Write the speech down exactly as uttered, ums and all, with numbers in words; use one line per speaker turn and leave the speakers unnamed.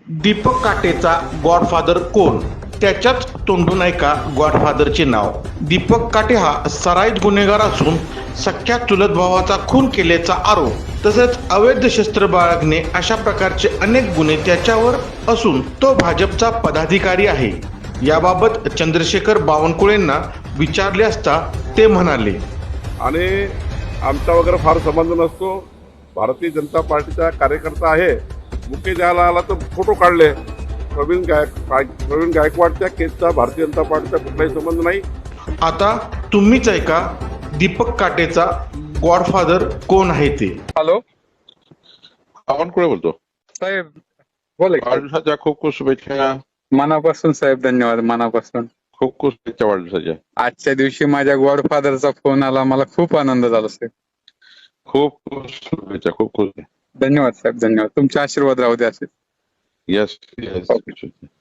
Deepak काटेचा godfather कोण? त्याच्याच तोंडून ऐका गॉडफादरचे नाव. दीपक काटे हा सराईत गुन्हेगार असून सख्या चुलत भावाचा खून केल्याचा आरोप तसेच अवैध शस्त्र बाळगणे अशा प्रकारचे अनेक गुन्हे त्याच्यावर असून तो भाजपचा पदाधिकारी आहे. याबाबत चंद्रशेखर बावनकुळेंना विचारले असता ते म्हणाले,
आणि आमचा वगैरे फार संबंध नसतो. भारतीय जनता पार्टीचा कार्यकर्ता आहे. मुख्य द्यायला आला तर फोटो काढले. प्रवीण गायक प्रवीण गायकवाडच्या केसचा भारतीय जनता पार्टीचा कुठलाही संबंध नाही.
आता तुम्हीच ऐका दीपक काटेचा गॉडफादर कोण आहे ते.
हॅलो
बावनकुळे बोलतो
साहेब, बोला की.
वाढदिवसाच्या खूप खूप शुभेच्छा.
मनापासून साहेब, धन्यवाद मनापासून.
खूप खूप शुभेच्छा वाढदिवसाच्या.
आजच्या दिवशी माझ्या गॉडफादरचा फोन आला, मला खूप आनंद झाला साहेब.
खूप खूप शुभेच्छा. खूप खूप
धन्यवाद साहेब, धन्यवाद. तुमचे आशीर्वाद राहू द्या असे.
Yes yes